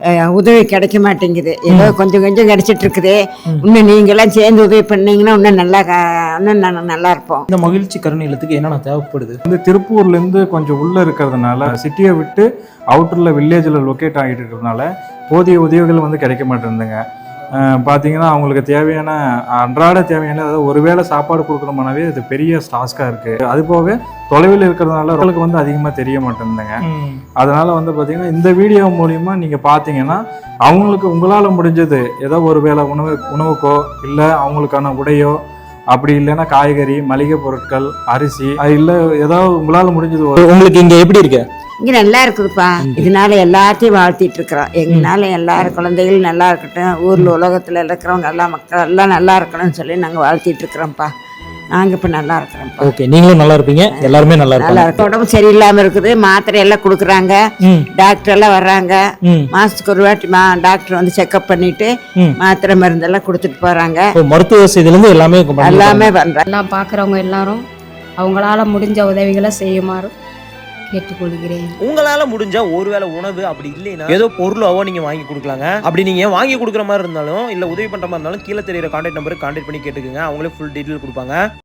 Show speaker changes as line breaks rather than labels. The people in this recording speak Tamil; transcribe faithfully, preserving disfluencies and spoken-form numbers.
உதவி கிடைக்க மாட்டேங்குது. ஏதோ கொஞ்சம் கொஞ்சம் கிடைச்சிட்டு இருக்குது. இன்னும் நீங்களாம் சேர்ந்து உதவி பண்ணீங்கன்னா இன்னும் நல்லா இன்னும் நாங்கள் நல்லா இருப்போம்.
இந்த மகிழ்ச்சி கருணை இல்லத்துக்கு என்னென்ன தேவைப்படுது?
வந்து திருப்பூர்லேருந்து கொஞ்சம் உள்ளே இருக்கிறதுனால சிட்டியை விட்டு அவுட்டரில் வில்லேஜில் லொக்கேட் ஆகிட்டு இருக்கிறதுனால போதிய உதவிகள் வந்து கிடைக்க மாட்டேங்குதுங்க. பார்த்தீங்கன்னா அவங்களுக்கு தேவையான அன்றாட தேவையான அதாவது ஒருவேளை சாப்பாடு கொடுக்குறோம்னாவே அது பெரிய டாஸ்காக இருக்குது. அது போக தொலைவில் இருக்கிறதுனால அவங்களுக்கு வந்து அதிகமாக தெரிய மாட்டேங்குதுங்க. அதனால் வந்து பார்த்திங்கன்னா இந்த வீடியோ மூலிமா நீங்கள் பார்த்தீங்கன்னா அவங்களுக்கு உங்களால் முடிஞ்சது ஏதோ ஒரு வேளை உணவு உணவுக்கோ இல்லை அவங்களுக்கான உடையோ அப்படி இல்லைன்னா காய்கறி மளிகை பொருட்கள் அரிசி அது இல்லை ஏதாவது உங்களால் முடிஞ்சது.
உங்களுக்கு இங்கே எப்படி இருக்கு?
இங்கே நல்லா இருக்குதுப்பா. இதனால எல்லாத்தையும் வாழ்த்திட்டு இருக்கிறோம். எங்களால எல்லாரும் குழந்தைகள் நல்லா இருக்கட்டும், ஊரில் உலகத்தில் இருக்கிறவங்க எல்லா மக்கள் எல்லாம் நல்லா இருக்கணும்னு சொல்லி நாங்கள் வாழ்த்திட்டு இருக்கிறோம்ப்பா. நாங்கள் இப்போ நல்லா இருக்கிறோம்ப்பா.
ஓகே, நீங்களும் நல்லா இருப்பீங்க, எல்லாருமே நல்லா
நல்லா இருக்கும். உடம்பு சரியில்லாமல் இருக்குது, மாத்திரை எல்லாம் கொடுக்குறாங்க, டாக்டர் எல்லாம் வர்றாங்க. மாசத்துக்கு ஒரு வாட்டி மா டாக்டர் வந்து செக்அப் பண்ணிட்டு மாத்திரை மருந்தெல்லாம் கொடுத்துட்டு போறாங்க.
மருத்துவ வசதியிலேருந்து எல்லாமே
எல்லாமே பண்றாங்க.
எல்லாம் பார்க்குறவங்க எல்லாரும் அவங்களால முடிஞ்ச உதவிகளை செய்யுமாறு கேட்டுக்கொள்கிறேன்.
உங்களால முடிஞ்ச ஒருவேளை உணவு அப்படி இல்லைன்னா ஏதோ பொருளாவோ நீங்க வாங்கி கொடுக்கலாங்க. அப்படி நீங்க வாங்கி கொடுக்குற மாதிரி இருந்தாலும் இல்ல உதவி பண்ற மாதிரி இருந்தாலும் கீழே தெரியுற கான்டாக்ட் நம்பருக்கு கான்டாக்ட் பண்ணி கேட்டுக்கோங்க. அவங்களே ஃபுல் டீட்டெயில் கொடுப்பாங்க.